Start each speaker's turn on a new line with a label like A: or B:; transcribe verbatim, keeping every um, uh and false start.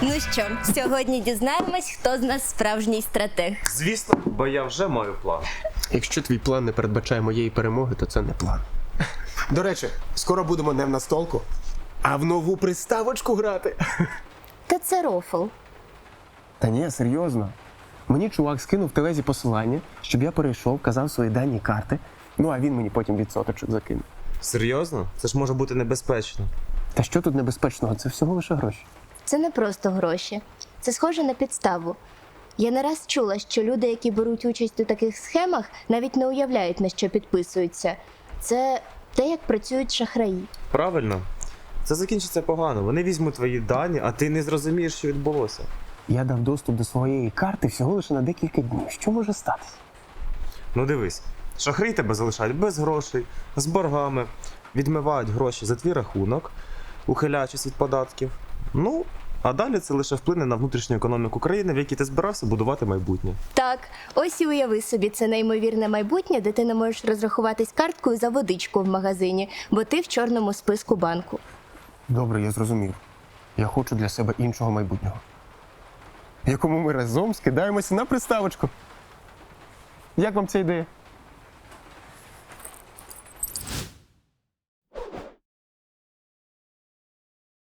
A: Ну що, сьогодні дізнаємось, хто з нас справжній стратег.
B: Звісно, бо я вже маю план.
C: Якщо твій план не передбачає моєї перемоги, то це не план. До речі, скоро будемо не в настолку, а в нову приставочку грати.
A: Та це рофл.
C: Та ні, серйозно. Мені чувак скинув в телезі посилання, щоб я перейшов, казав свої дані карти, ну а він мені потім відсоточок закинув.
B: Серйозно? Це ж може бути небезпечно.
C: Та що тут небезпечного? Це всього лише гроші.
A: Це не просто гроші. Це схоже на підставу. Я не раз чула, що люди, які беруть участь у таких схемах, навіть не уявляють, на що підписуються. Це те, як працюють шахраї.
B: Правильно? Це закінчиться погано. Вони візьмуть твої дані, а ти не зрозумієш, що відбулося.
C: Я дав доступ до своєї карти всього лише на декілька днів. Що може статися?
B: Ну дивись, шахраї тебе залишають без грошей, з боргами, відмивають гроші за твій рахунок, ухиляючись від податків. Ну, а далі це лише вплине на внутрішню економіку країни, в якій ти збирався будувати майбутнє.
A: Так, ось і уяви собі це неймовірне майбутнє, де ти не можеш розрахуватись карткою за водичку в магазині, бо ти в чорному списку банку.
C: Добре, я зрозумів. Я хочу для себе іншого майбутнього, в якому ми разом скидаємося на приставочку. Як вам ця ідея?